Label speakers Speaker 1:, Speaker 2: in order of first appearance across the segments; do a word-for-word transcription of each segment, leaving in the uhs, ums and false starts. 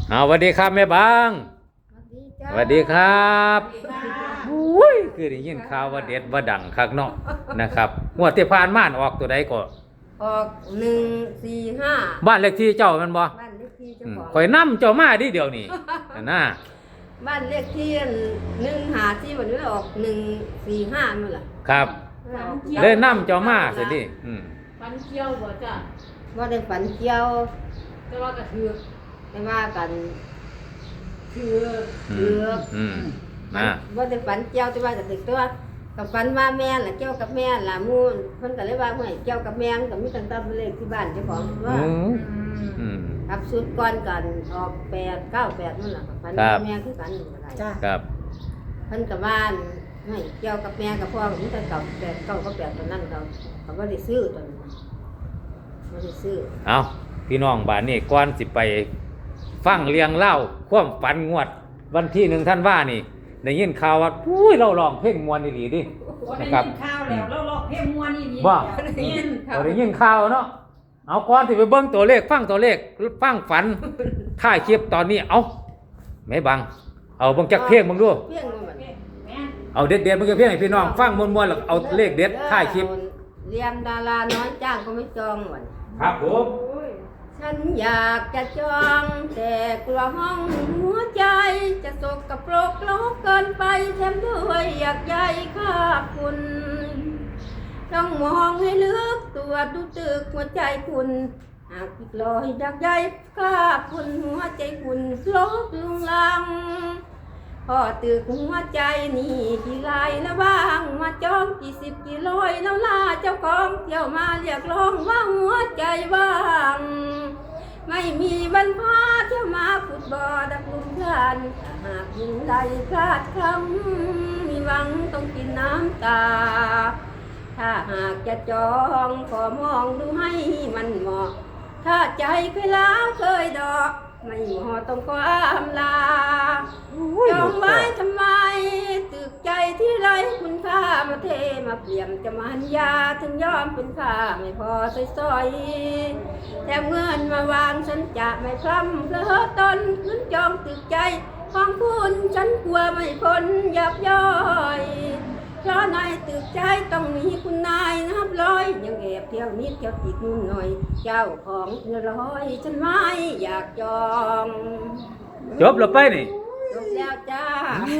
Speaker 1: เอาสวัสดีครับแม่บางสวัสดีครับอุ้ยคือได้ยินข่าวว่าเด็ดว่าดังคักเนาะนะครับงวดที่ผ่านมาออกตัวใดก็
Speaker 2: ออกหนึ่งสี่ห้า
Speaker 1: บ้านเลขที่เจ้ามันบ่
Speaker 2: บ้านเลขที่เจ้าของ
Speaker 1: ข่อยนำเจ้ามาดิเดี๋ยวนี้นะ
Speaker 2: บ้านเลขที่หนึ่งหาที่วันนี้ออกหนึ่งสี่ห้านั่นแหละ
Speaker 1: ครับเลยนำเจ้ามาสิดิอืม
Speaker 3: ฝันเกี่ยวบ่จ้ะ
Speaker 2: ว่าได้ฝันเกี่ยว
Speaker 3: แต่ว่ากระถือ
Speaker 2: ไม่ว่ากัน
Speaker 3: ถือ
Speaker 2: ถือ
Speaker 1: อืมนะ
Speaker 2: ว่าได้ฝันเกี่ยวแต่ว่าจะตึกตัวกับฝันว่าแม่ล่ะเกี่ยวกับแม่ล่ะมูนเพิ่นก็เลยว่าห้วยเกี่ยวกับแม่ก็มีตั้งแต่เลขที่บ้านเจ้าของว่า
Speaker 1: อืม
Speaker 2: ครับสุดก่อนกันออกแปดเก้าแปดนั่นแหละกับฝันว่าแม่คือกันอะไร
Speaker 1: จ้าครับ
Speaker 2: เพิ่นกับบ้านไม่เกี่ยวกับแม่กับพ่อมีแต่เก่าแปดเก้าก็แปดตอนนั้นเขาเขาบ่ได้ซื้อตอนนั้นบ่ได้ซื้อ
Speaker 1: เอาพี่น้องบ้านนี้ก่อนสิไปฟังเรียงเล่าความฝันงวดวันที่หนึ่งท่านว่านี่ได้ยินข่าวว่าอุ้ยเราลองเพลงมวนอีหลีดิ
Speaker 3: นะครับได้ยินข่าวแล้วเราลองเพลงมวนอีหลี
Speaker 1: บ่ได้ยินเราได้ยินข่าวเนาะเอาก่อนสิไปเบิ่งตัวเลขฟังตัวเลขฟังฝันถ่ายคลิปตอนนี้เอาแม่บังเอาเบิ่งจักเพลงมึงดู
Speaker 2: เพลงมัน
Speaker 1: เอาเด็ดๆมึงจะเพลงให้พี่น้องฟังม่วนๆแล้วเอาเลขเด็ดถ่ายคลิป
Speaker 2: เรียมดาราน้อยจ้างก็ไม่จองวัน
Speaker 1: ครับผม
Speaker 2: ฉันอยากจะจองแต่กลัวห้องหัวใจจะสกปรกโลกเกินไปแถมด้วยอยากใยค่าคุณต้องมองให้ลึกตัวดูตึกหัวใจคุณหากผิดลอยอยากใยค่าคุณหัวใจคุณลบลุงลังพอตึกหัวใจนี่กี่ลายแล้วบ้างมาจองกี่สิบกี่ร้อยแล้วล่าเจ้าของเที่ยวมาเรียกร้องว่าหัวใจว่างไม่มีบรรพาเที่ยวมาขุดบ่อดักลุมพลานหากยินใดพลาดคำมีหวังต้องกินน้ำตาถ้าหากจะจองขอมองดูให้มันเหมาะถ้าใจเคยล้าวเคยดอกไม่เหมาะต้องความลาจองไว้ทำไมตึกใจที่ไร้คุณค่ามาเทมาเปลี่ยนจะมันยาถึงยอมเป็นค่าไม่พอซอยๆแต่เงินมาวางฉันจะไม่พร่ำเพลอตนขึ้นจองตึกใจของคุณฉันกลัวไม่พ้นยับย่อยเพราะในตึกใจต้องมีคุณนายนับร้อยยังแอบเที่ยวนิดเที่ยวติดนู่นหน่อยเจ้าของเงินร้อยฉันไม่อยากจอง
Speaker 1: จบแล้วไปนี่
Speaker 2: จบแล้วจ้า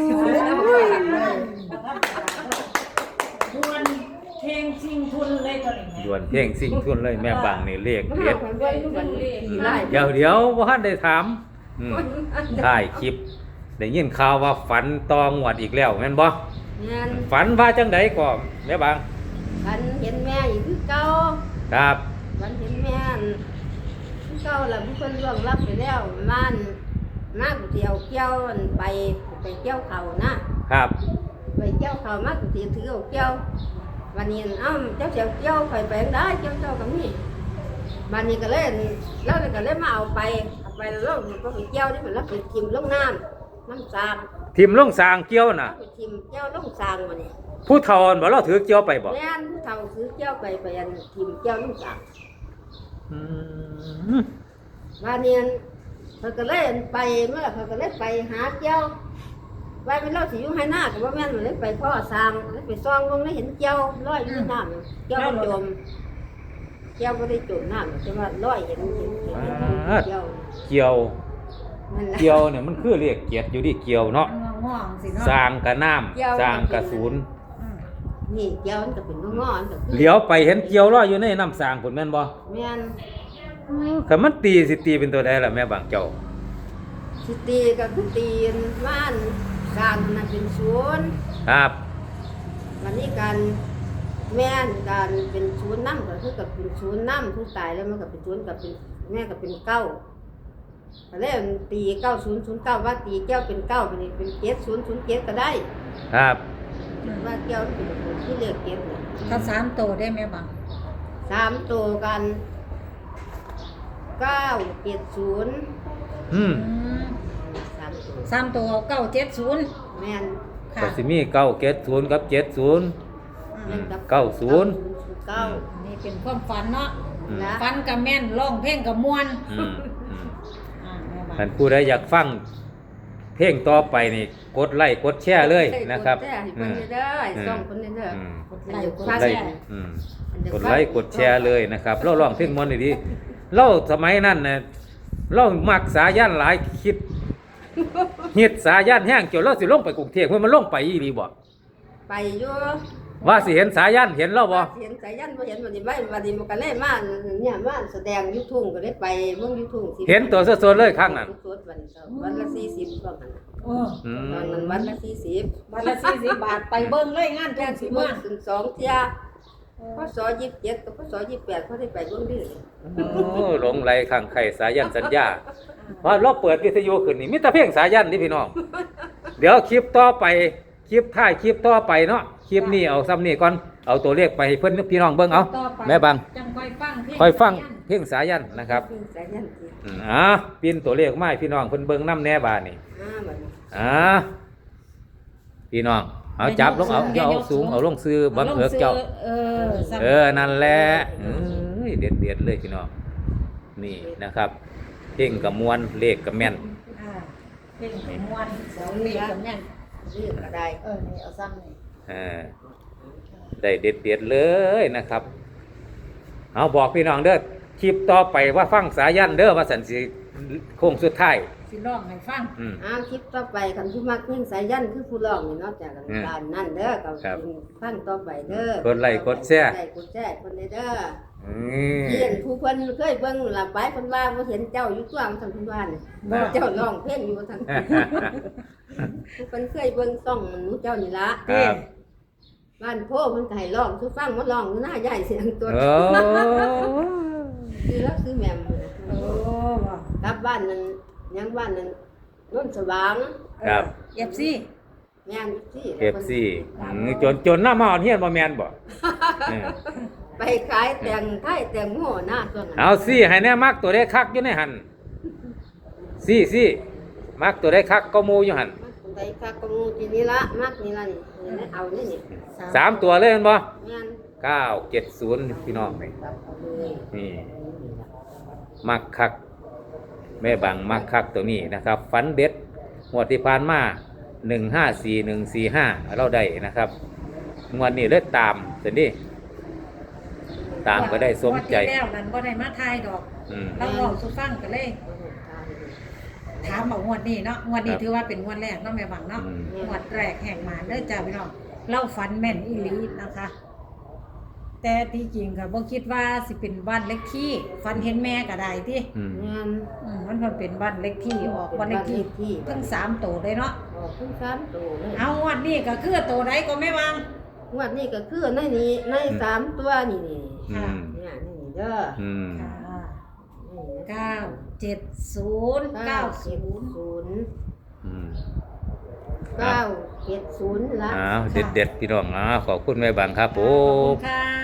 Speaker 3: ดวนเพลงชิงทุนเลยตัวนี้
Speaker 1: ดวนเพลงซิ่งทุนเลยแม่บางนี่เลขเด็ด
Speaker 2: เดี๋
Speaker 1: ยวเดี๋ยวว่าท่านได้ถามถ่ายคลิปได้ยินข่าวว่าฝันตองวดอีกแล้วแม่นบ่ฝันว่าจังไดก่อนแม่บาง
Speaker 2: ฝันเห็นแม่อยู่คือเก่า
Speaker 1: ครับ
Speaker 2: ฝันเห็นแม่คือเก่าแล้วมีคนล่วงลับไปแล้วมันมาก๋วยเตี๋ยวเกี่ยวไปไปเกี่ยวเขานะครับไปเกี่ยวเขามาก๋วยเตี๋ยวถือเอาเกี่ยววันนี้เอ้าเจ้าเสียวเกี่ยวไปไปได้เกี่ยวเจ้ากับนี่วันนี้ก็เลยแล้วก็เลยมาเอาไปเอาไปแล้วก็ไปเกี่ยวนี่มันแล้วไปทิมลงน้ำน้ำสาง
Speaker 1: ทิมลงสางเกี่ยวน่ะ
Speaker 2: ไปทิมเกี่ยวลงสางวันนี้
Speaker 1: ผู้เฒ่าบ่เราถือเกี่ยวไปบ่
Speaker 2: แม่นผู้เฒ่าถือเกี่ยวไปไปอันทิมเกี่ยวลงสาง
Speaker 1: อืม
Speaker 2: วันนี้เขาก็เลยไปเมื่อเขาก็เลยไปหาเจ้าไว้เป็นเล่าสิอยู่ให้หน้ากับว่าแม่นมันเลยไปพ่อสร้างเลยไปซ่องลงเลยเห็นเจ้าลอยอยู่น้ำเจ้าจมเจ้าก็ได้จมน้ำแต่ว่าลอยเห็นเห็นเจ้า
Speaker 1: เกี่ยวเกี่ยวเนี่ยมันคือเรียกเกียรติอยู่ดิเกี่ยวเนาะสร้างกระน้ำสร้างกระศูนย์
Speaker 2: นี่เจ้ามันก็เป็นงอน
Speaker 1: เหลียวไปเห็นเกี่ยวลอยอยู่ในน้ำสร้างผลแม่นบ่
Speaker 2: แม่น
Speaker 1: แต่มันตีสิตีเป็นตัวใดล่ะแม่บางเจ้า
Speaker 2: สิตีก็คือตีบ้านสร้างมันเป็นศูนย์
Speaker 1: ครับ
Speaker 2: วันนี้การแม่นการเป็นศูนย์น้ำก็คือกับเป็นศูนย์น้ำผู้ตายแล้วมันก็เป็นศูนย์กับเป็นแม่ก็เป็นเก้าแล้วตีเก้าศูนย์ศูนย์เก้าว่าตีแก้วเป็นเก้าเป็นเป็นเจ็ดศูนย์ศูนย์เจ็ดก็ได้
Speaker 1: ครับ
Speaker 2: ว่าแก้วเป็นที่เลือกเจ็ดเนี่ย
Speaker 3: ถ้าสามโตได้ไหมบัง
Speaker 2: สามโตกันเก้าเจ็ดศูนย์
Speaker 1: อืม
Speaker 3: สามตัวเก้าเจ็ดศูนย์
Speaker 2: แม่น
Speaker 1: ก็สิมีเก้าเจ็ดศูนย์กับเจ็ดศูนย์เก้าศูนย์
Speaker 2: เก้า
Speaker 3: นี่เป็นความฝันเนาะฝันกับแม่นร้องเพลงกับม่วน
Speaker 1: ท่านผู้ใดอยากฟังเพลงต่อไปนี่กดไลค์กดแชร์เลยนะครับ
Speaker 2: กดแชร์ให้เพิ่นเด้อให้ส่องเพิ่นเด้อ
Speaker 1: อืม
Speaker 3: กดไลค์กด
Speaker 1: ไล
Speaker 3: แช
Speaker 1: ค์
Speaker 3: ร์
Speaker 1: อืมกดไลค์กดแชร์เลยนะครับเราร้องเพลงมวนดีๆเราสมัยนั้นน่ะเรามักสายันหลายคิดเฮ็ดสายันแห้งจนเราสิลงไปกรุงเทพเพิ่นมันลงไปอีหลีบ่
Speaker 2: ไปอยู่
Speaker 1: ว่าสิเห็นสายันเห็นเราบ่
Speaker 2: เห็นสายันบ่เห็นวันนี้ไม่วันนี้มันก็เลยมาเนี่ยมาแสดงอยุทุ่งก็เลยไปเบิ่งอยุทุ่งสิ
Speaker 1: เห็นตัวสดๆเลยครั้งนั้น
Speaker 2: สดๆวันเสาร์วันละสี่สิบก็มัน
Speaker 3: เออ
Speaker 1: อื
Speaker 2: ตอน
Speaker 1: ม
Speaker 2: นั้นวันละสี่สิบ
Speaker 3: วันละสี่สิบบาทไปเบิ่งเลยงาน
Speaker 2: แจ้
Speaker 3: แจ้
Speaker 2: ง
Speaker 3: ง
Speaker 2: สิ
Speaker 3: สิ
Speaker 2: เบิ่
Speaker 3: มาง
Speaker 2: ถึงสองเที่ยพศยี่สิบเจ็ดกับพศยี่สิบแปดเขาได้ไปเบิ่งดิ
Speaker 1: โอ้หลงไหลข้างไข่สายันสัญญาว่าเราเปิดวิทยุขึ้นนี่มีแต่เพลงสายันนี่พี่น้องเดี๋ยวคลิปต่อไปคลิปท้ายคลิปต่อไปเนาะคลิปนี้เอาซ้ำนี่ก่อนเอาตัวเลขไปให้เพิ่นพี่น้องเบิ่งเอา
Speaker 3: ต่อไป
Speaker 1: แม่บัง
Speaker 3: จังค่อยฟังเพลง
Speaker 1: ค่อยฟังเพลงสายันนะครับ
Speaker 2: สายันสิ
Speaker 1: อืมอ่าปีนตัวเลขมาให้พี่น้องเพิ่นเบิ่งน้ำแน่บาดนี่
Speaker 2: อ่าบัดนี้
Speaker 1: อ่าพี่น้องเอาจับลงเอาเอาสูงเอาลงซื้อบังเอิกเจ้า
Speaker 3: เออซ้ำ
Speaker 1: เออนั่นแหละเอ้ยเด็ดเด็ดๆเลยพี่น้องนี่นะครับเพลงกับมวนเลขกับแม่น
Speaker 3: อ่าเพลงไปม่วนเสาเลขกับแม่น
Speaker 2: เรื่องก็ได้
Speaker 3: เออนี่เอาซ้ำนี่
Speaker 1: เออได้เด็ดเด็ดๆเลยนะครับ เอาบอกพี่น้องเด้อคลิปต่อไปว่าฟังสายันเด้อว่าสันสิโค้งสุดท้าย
Speaker 3: สิร้องให้ฟัง
Speaker 1: อืม
Speaker 2: อ่าคลิปต่อไปคันผู้มักเพลงสายันคือผู้ร้องนี่เนาะจากกัน
Speaker 1: อืม
Speaker 2: การนั่นเด้อก็
Speaker 1: ครับ
Speaker 2: ฟังต่อไปเด้อก
Speaker 1: ดไลค์กดแชร์
Speaker 2: กดไลค์กดแชร์คนเด้อ
Speaker 1: อืม
Speaker 2: เรียนผู้เพิ่นเคยเบิ่งหลับไปเพิ่นว่าบ่เห็นเจ้าอยู่ตัวของท่านเพิ่นว่านี่
Speaker 1: บ่
Speaker 2: เจ้าร้องเพลงอยู่ทางผู้เพิ่นเคยเบิ่งซ่องหนูเจ้านี่ละ
Speaker 1: ครับ
Speaker 2: บ้านโพเพิ่นก็ให้ร้องสุฟังมาร้องอยู่หน้าใหญ่เสียงตัว
Speaker 1: โอ้
Speaker 2: คือแล้วคือแม่ม
Speaker 3: โอ้ว่ะ
Speaker 2: กลับบ้านนั้นยังบ้านนั้นโนนสว่าง
Speaker 1: ครับ
Speaker 3: เอฟซี
Speaker 2: แม่นสิ
Speaker 1: เอฟซีจนจนหน้ามาอ่อนเฮียนบ่แม่นบ่เออ
Speaker 2: ไปขายแต่งไทยแต่งโง่หน้าตัวนั้น
Speaker 1: เอาซี่ให้แน่มักตัวได้คักอยู่ในหันซี่ซี่มักตัวได้คักก็หมูอยู่หัน
Speaker 2: ไปคักกมูทีนี้ละมักนี่ละนี่นี่เอานี่นี่
Speaker 1: สามตัวเลยแม่นบ่
Speaker 2: แม่น
Speaker 1: เก้าเจ็ดศูนย์พี่น้องนี่
Speaker 2: กลับเอาเลย
Speaker 1: นี่มักคักแม่บังมักคักตัวนี้นะครับฝันเด็ดงวดที่ผ่านมาหนึ่งห้าสี่หนึ่งสี่ห้าเราได้นะครับงวดนี้เลยตามแต่นี่ตามก็ได้สมใจ
Speaker 3: งวดที่แล้วนั้นบ่ได้มาทายดอก
Speaker 1: อืม
Speaker 3: เราลองสุฟังกันเลย ถามเอางวดนี้เนาะงวดนี้ถือว่าเป็นงวดแรกเนาะแม่บังเนาะ
Speaker 1: อืม
Speaker 3: งวดแรกแห่งหมาเด้อจ้าพี่น้องเล่าฝันแม่นอีหลีนะคะ แต่ที่จริงก็บ่คิดว่าสิเป็นบ้านเล็กที่ฝันเห็นแม่ก็ได้ที่
Speaker 1: อืม
Speaker 2: แม่น
Speaker 3: อืมมันเพิ่นเป็นบ้านเล็กที่ออกบ้านเล็กที่
Speaker 2: บ้านเลขที่
Speaker 3: ทั้งสามตัวเลยเนาะ
Speaker 2: ออกทั้งสามตัวเลย
Speaker 3: เอางวดนี้ก็คือตัวใดก็แม่บัง
Speaker 2: งวดนี้ก็คือในนี้ในสามตัวนี่นี่
Speaker 1: อืม
Speaker 2: เนี่ยนี่เด้อ
Speaker 1: อืม
Speaker 3: อ่า
Speaker 2: นี่
Speaker 3: เก้าเจ็ดศูนย์เก้าศูนย์
Speaker 2: ศูนย์
Speaker 1: อืม
Speaker 2: เก้าเจ็ดศูนย์ละ
Speaker 1: อ้าวเด็ดเด็ดๆพี่น้องอ้าวขอบคุณแม่บังครับผ
Speaker 3: ขอบคุ
Speaker 1: ม
Speaker 3: ณค่ะ